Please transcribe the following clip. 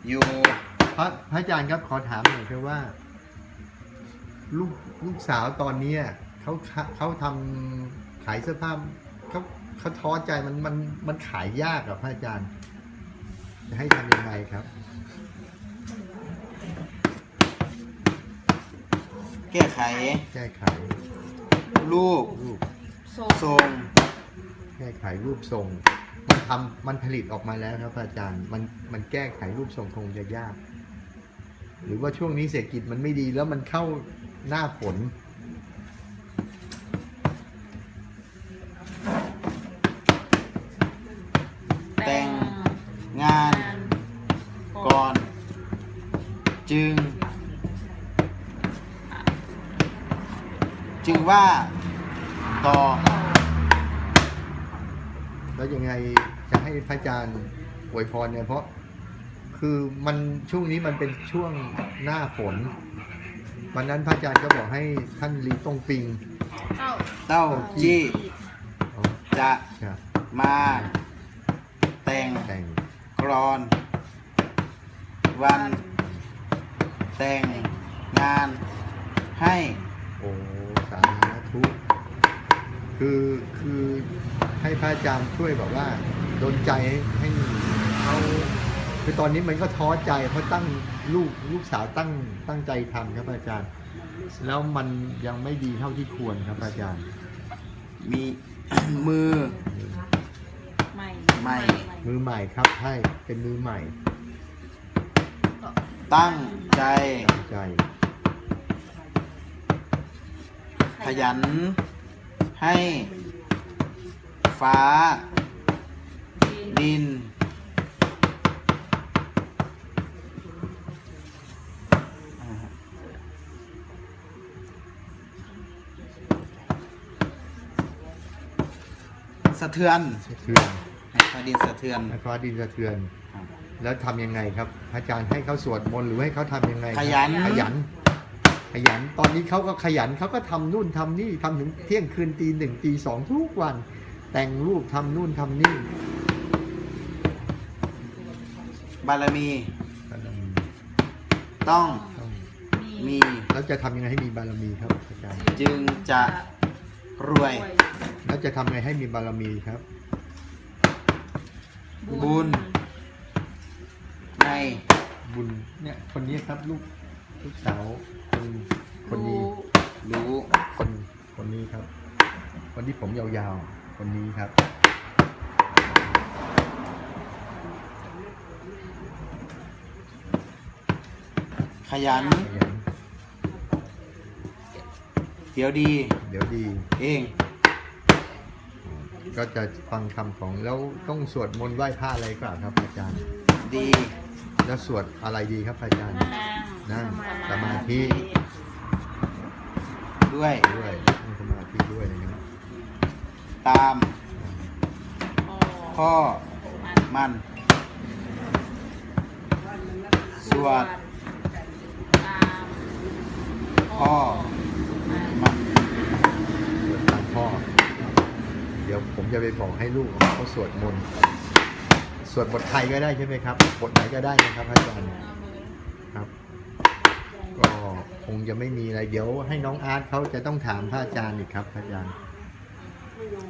อยู่พระอาจารย์ครับขอถามหน่อยคือว่าลูกสาวตอนนี้เขาทำขายเสื้อผ้าเขาท้อใจมันขายยากกับพระอาจารย์จะให้ทำยังไงครับแก้ไขรูปทรงแก้ไขรูปทรงมันผลิตออกมาแล้วครับอาจารย์มันแก้ไขรูปทรงคงจะยากหรือว่าช่วงนี้เศรษฐกิจมันไม่ดีแล้วมันเข้าหน้าฝนแต่งงานก่อนจึงว่าต่อแล้วยังไงจะให้พระอาจารย์อวยพรเนี่ยเพราะคือมันช่วงนี้มันเป็นช่วงหน้าฝนวันนั้นพระอาจารย์ก็บอกให้ท่านลีตงปิงเต้าจี้จะมาแต่งกลอนวันแต่งงานให้โอ้สาธุคือให้พระอาจารย์ช่วยแบบว่าดลใจให้เขาคือตอนนี้มันก็ท้อใจเพราะตั้งลูกสาวตั้งใจทำครับอาจารย์แล้วมันยังไม่ดีเท่าที่ควรครับอาจารย์มีมือใหม่ครับให้เป็นมือใหม่ตั้งใจขยันให้ฟ้าดินสะเทือนให้ฟ้าดินสะเทือนแล้วทำยังไงครับอาจารย์ให้เขาสวดมนต์หรือให้เขาทำยังไงขยันตอนนี้เขาก็ขยันเขาก็ทำนู่นทำนี่ทำถึงเที่ยงคืนตี 1 ตี 2ทุกวันแต่งรูปทำนู่นทำนี่บารมีต้องมีแล้วจะทำยังไงให้มีบารมีครับอาจารย์จึงจะรวยแล้วจะทำยังไงให้มีบารมีครับบุญในบุญเนี่ยคนนี้ครับลูกสาวคนนี้รู้คนนี้ครับคนที่ผมยาวๆคนนี้ครับขยันเดี๋ยวดีเองก็จะฟังคำของแล้วต้องสวดมนต์ไหว้พระอะไรก่อนครับอาจารย์ดีแล้วสวดอะไรดีครับอาจารย์นั่งสมาธิด้วยนั่งสมาธิด้วยนะครับตามข้อมันสวดพ่อมันตามพ่อเดี๋ยวผมจะไปบอกให้ลูกเขาสวดมนต์สวดบทไทยก็ได้ใช่ไหมครับบทไหนก็ได้นะครับอาจารย์ครับก็คงจะไม่มีอะไรเดี๋ยวให้น้องอาร์ตเขาจะต้องถามพระอาจารย์อีกครับพระอาจารย์